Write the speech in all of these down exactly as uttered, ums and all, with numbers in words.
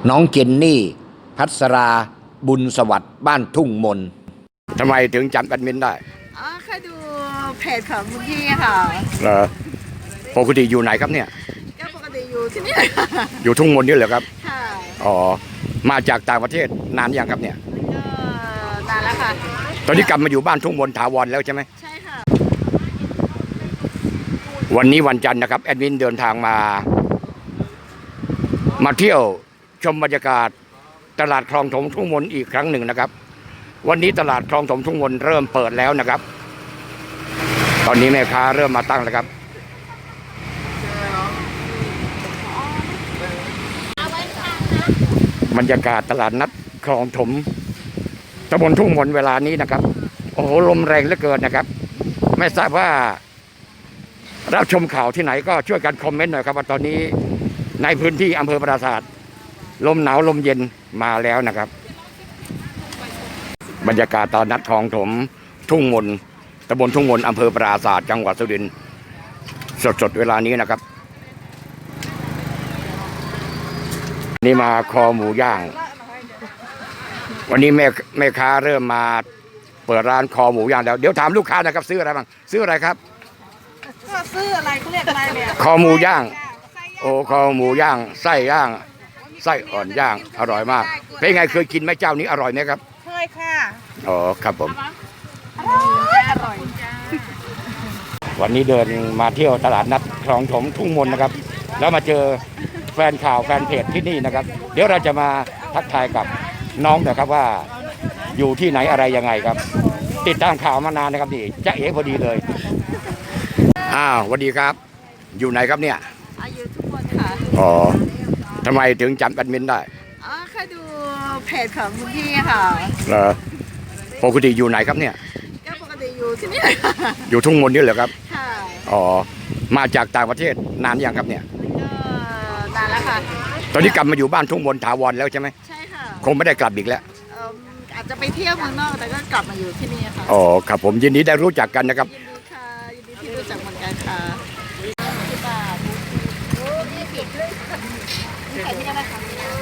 น้องเจนนี่พัสราบุญสวัสดิ์บ้านทุ่งมนทำไมถึงจำแอดมินได้อ๋อเคยดูเพจของคุณพี่ค่ะเหรอปกติอยู่ไหนครับเนี่ยก็ปกติอยู่ที่นี่เลยค่ะอยู่ทุ่งมนนี่เหรอครับค่ะอ๋อมาจากต่างประเทศนานยังครับเนี่ยก็นานแล้วค่ะตอนนี้กลับมาอยู่บ้านทุ่งมนถาวรแล้วใช่ไหมใช่ค่ะวันนี้วันจันทร์นะครับแอดมินเดินทางมามาเที่ยวชมบรรยากาศตลาดคลองถมทุ่งมนอีกครั้งหนึ่งนะครับวันนี้ตลาดคลองถมทุ่งมนเริ่มเปิดแล้วนะครับตอนนี้แม่ค้าเริ่มมาตั้งแล้วครับบรรยากาศตลาดนัดคลองถมตำบลทุ่งมนเวลานี้นะครับโอ้โหลมแรงเหลือเกินนะครับไม่ทราบว่ารับชมข่าวที่ไหนก็ช่วยกันคอมเมนต์หน่อยครับว่าตอนนี้ในพื้นที่อำเภอปราสาทลมหนาวลมเย็นมาแล้วนะครับบรรยากาศตอนนัดคลองถมทุ่งมนตำบลทุ่งมนอำเภอปราสาทจังหวัดสุรินทร์สดๆเวลานี้นะครับนี่มาคอหมูย่างวันนี้แม่แม่ค้าเริ่มมาเปิดร้านคอหมูย่างแล้วเดี๋ยวถามลูกค้านะครับซื้ออะไรบ้างซื้ออะไรครับก็ซื้ออะไรเขาเรียกอะไรเนี่ยคอหมูย่างโอ้คอหมูย่างไส้ย่างไส้อ่อนย่างอร่อยมากเป็นไงเคยกินไหมเจ้านี้อร่อยไหมครับเคยค่ะอ๋อครับผมอร่อยวันนี้เดินมาเที่ยวตลาดนัดคลองถมทุ่งมนนะครับแล้วมาเจอแฟนข่าวแฟนเพจที่นี่นะครับเดี๋ยวเราจะมาทักทายกับน้องนะครับว่าอยู่ที่ไหนอะไรยังไงครับติดตามข่าวมานานนะครับนี่จ๊ะเอ๋พอดีเลยอ้าวสวัสดีครับอยู่ไหนครับเนี่ยอายุทุกคนค่ะอ๋อทำไมถึงจำแอดมินได้อ๋อเคยดูเพจของคุณพี่ค่ะเหรอปกติอยู่ไหนครับเนี่ยก็ปกติอยู่ที่นี่เลยค่ะอยู่ทุ่งมนนี่เหรอครับค่ะอ๋อมาจากต่างประเทศนานยังครับเนี่ยก็นานแล้วค่ะตอนนี้กลับมาอยู่บ้านทุ่งมนถาวรแล้วใช่ไหมใช่ค่ะคงไม่ได้กลับอีกแล้วอาจจะไปเที่ยวเมืองนอกแต่ก็กลับมาอยู่ที่นี่ค่ะอ๋อครับผมยินดีได้รู้จักกันนะครับยินดีค่ะยินดีที่รู้จักเหมือนกันค่ะที่บาทนี่ผิดนี่ใส่ที่ได้ไหมคะ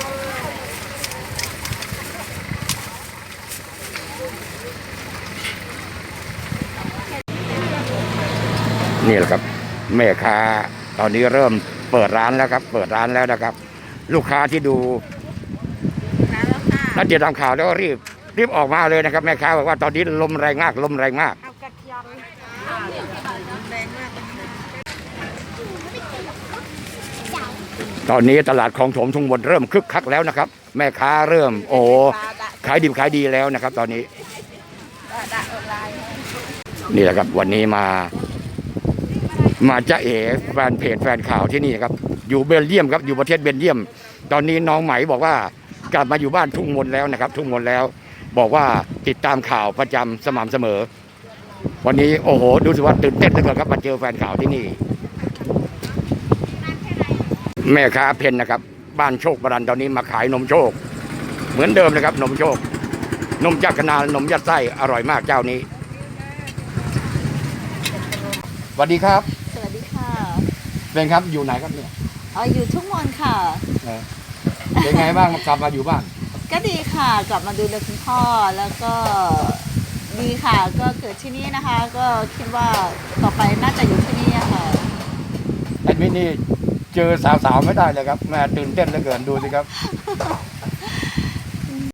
นี่แหละครับแม่ค้าตอนนี้เริ่มเปิดร้านแล้วครับเปิดร้านแล้วนะครับลูกค้าที่ดูนัดเดียวทำข่าวแล้วก็รีบรีบออกมาเลยนะครับแม่ค้าบอกว่าตอนนี้ลมแรงมากลมแรงมากตอนนี้ตลาดคลองถมทุ่งมนเริ่มคึกคักแล้วนะครับแม่ค้าเริ่มโอ้ขายดิบขายดีแล้วนะครับตอนนี้นี่แหละครับวันนี้มามาจ๊ะเอ๋แฟนเพจแฟนข่าวที่นี่ครับอยู่เบลเยียมครับอยู่ประเทศเบลเยียมตอนนี้น้องไหมบอกว่ากลับมาอยู่บ้านทุ่งมนแล้วนะครับทุ่งมนแล้วบอกว่าติดตามข่าวประจำสม่ำเสมอวันนี้โอ้โหดูสิว่าตื่นเต้นเหลือเกินครับมาเจอแฟนข่าวที่นี่แม่ค้าเพนนะครับบ้านโชคบรันตอนนี้มาขายนมโชคเหมือนเดิมนะครับนมโชคนมจักรนานนมยัดไส้อร่อยมากเจ้านี้สวัสดีครับสวัสดีค่ะเป็นครับอยู่ไหนครับเนี่ยอ๋ออยู่ทุ่งมนค่ะเป็นไงบ้างกลับมาอยู่บ้านก็ดีค่ะกลับมาดูแลคุณพ่อแล้วก็ดีค่ะก็เกิดที่นี่นะคะก็คิดว่าต่อไปน่าจะอยู่ที่นี่ค่ะแอดมินนี่เจอสาวๆไม่ได้เลยครับแม่ตื่นเต้นเหลือเกินดูสิครับ